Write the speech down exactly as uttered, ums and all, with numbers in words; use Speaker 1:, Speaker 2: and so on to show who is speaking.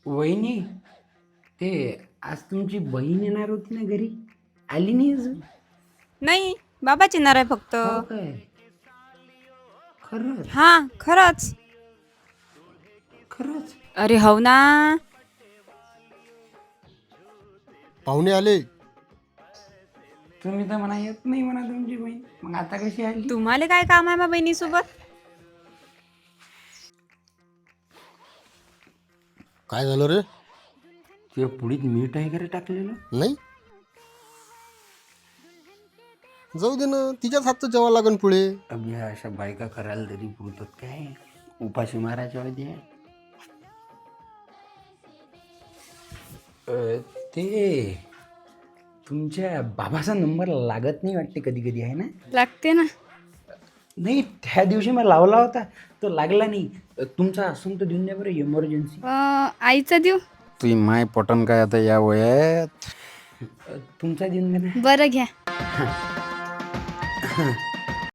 Speaker 1: वहिनी, ते आज तुमची बहीण येणार होती ना घरी, आली नाही अजून?
Speaker 2: नाही, बाबाच येणार आहे फक्त.
Speaker 1: हो काय? खरंच?
Speaker 2: हा, खरंच.
Speaker 1: खरंच?
Speaker 2: अरे हो ना.
Speaker 3: पाहुणे आले.
Speaker 1: तुम्ही तर म्हणा येत नाही म्हणा तुमची बहीण, मग आता कशी आली?
Speaker 2: तुम्हाला काय काम आहे मा बहिणीसोबत?
Speaker 3: काय झालं रे?
Speaker 1: तुझ्या पुढीत मीठ वगैरे टाकलेलं?
Speaker 3: नाही, जाऊ दे ना, तिच्याच हातचं जेवा लागन पुढे.
Speaker 1: अभि अशा बायका करायला तरी पुरतात काय? उपाशी मारायच्या वेळी आहे. अ, ते तुमच्या बाबाचा नंबर लागत नाही वाटते कधी कधी, आहे ना?
Speaker 2: लागते ना.
Speaker 1: नाही, त्या दिवशी मी लावला होता तो लागला नाही. तुमचा असून तर देऊन द्या बरं, इमर्जन्सी.
Speaker 2: आईचा देऊ?
Speaker 1: तुझी माय पटन काय आता या वयात? तुमचा देऊन द्या ना.
Speaker 2: बरं घ्या.